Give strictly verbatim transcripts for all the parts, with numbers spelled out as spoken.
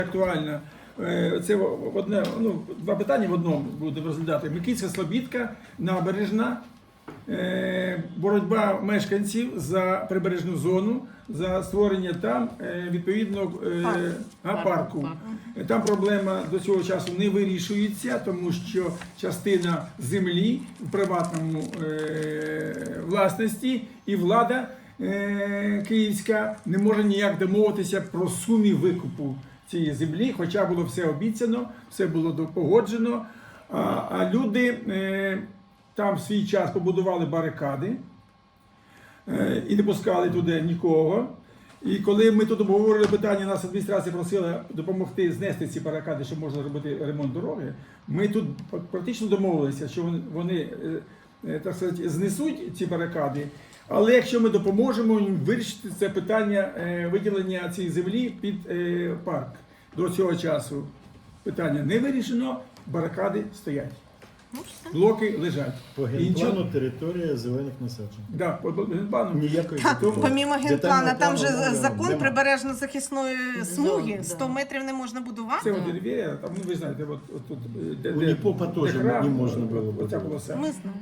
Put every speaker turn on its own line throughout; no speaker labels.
Актуально. Це в одне, ну, два питання в одному будемо розглядати. Микільська Слобідка, набережна, боротьба мешканців за прибережну зону, за створення там відповідно парку. Там проблема до цього часу не вирішується, тому що частина землі в приватному власності і влада київська не може ніяк домовитися про суми викупу цієї землі, хоча було все обіцяно, все було погоджено, а, а люди е, там в свій час побудували барикади е, і не пускали туди нікого. І коли ми тут обговорили питання, нас адміністрація просила допомогти знести ці барикади, щоб можна робити ремонт дороги, ми тут практично домовилися, що вони, вони е, так сказати, знесуть ці барикади. Але якщо ми допоможемо їм вирішити це питання виділення цієї землі під парк. До цього часу питання не вирішено, барикади стоять. Блоки лежать.
По генплану територія зелених насаджень.
Да, по генплану.
Ніякої
Так,
такого.
помімо генплана, там же
Детального
закон
плану
прибережно-захисної смуги,
да.
сто метрів не можна будувати.
Це от Рів'єра, там, ну ви знаєте, от, от тут, де,
У
де,
Ліпопа теж
храм,
не можна було
оця
будувати.
полоса.
Ми знаємо.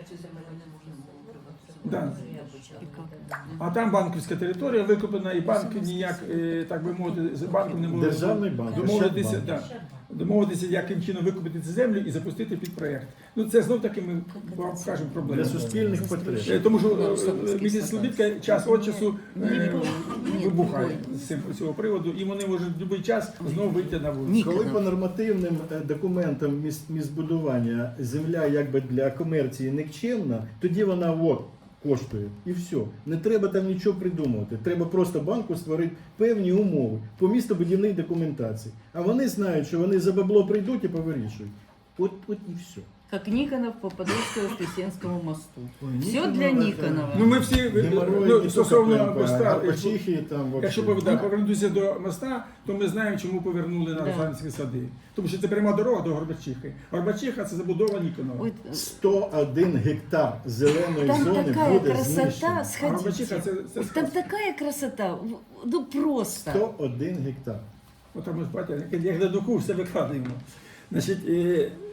Да. А там банківська територія викуплена, і банк ніяк, е, так би мовити, з банком не можуть
Державний банк,
домовитися,
Ощадбанк.
да, домовитися, яким чином викупити цю землю і запустити під проєкт. Ну це знов таки ми вам кажемо проблему.
Для суспільних потреб.
Е, Тому що місяць Слобідка час від часу е, вибухає з цим- з цього приводу, і вони можуть в будь-який час знову вийти на вулицю.
Коли по нормативним е, документам міс- містобудування земля якби для комерції нікчемна, тоді вона от коштує і все. Не треба там нічого придумувати. Треба просто банку створити певні умови по містобудівній документації. А вони знають, що вони за бабло прийдуть і повирішують. От, от і все.
Как Никонов по Подольско-Воскресенскому мосту.
Ой,
Все
Никонов
для
это-
Никонова.
Ну ми всі,
Геморрой
ну,
не
стосовно
тільки по
моста,
Арпачихі, там вообще.
якщо повер- да, повернутися до моста, то ми знаємо, чому повернули на
Да.
Русланські сади. Тому що це пряма дорога до Горбачихи. Горбачиха – це забудова Ніконова.
Ой,
сто один гектар зеленої
там
зони
такая
буде
красота,
знищено.
А Горбачиха –
сходите.
це, це
Там
сказка.
такая красота, в- ну просто.
сто один гектар.
От там, бачите, як на духу все викладаємо. Значить, е,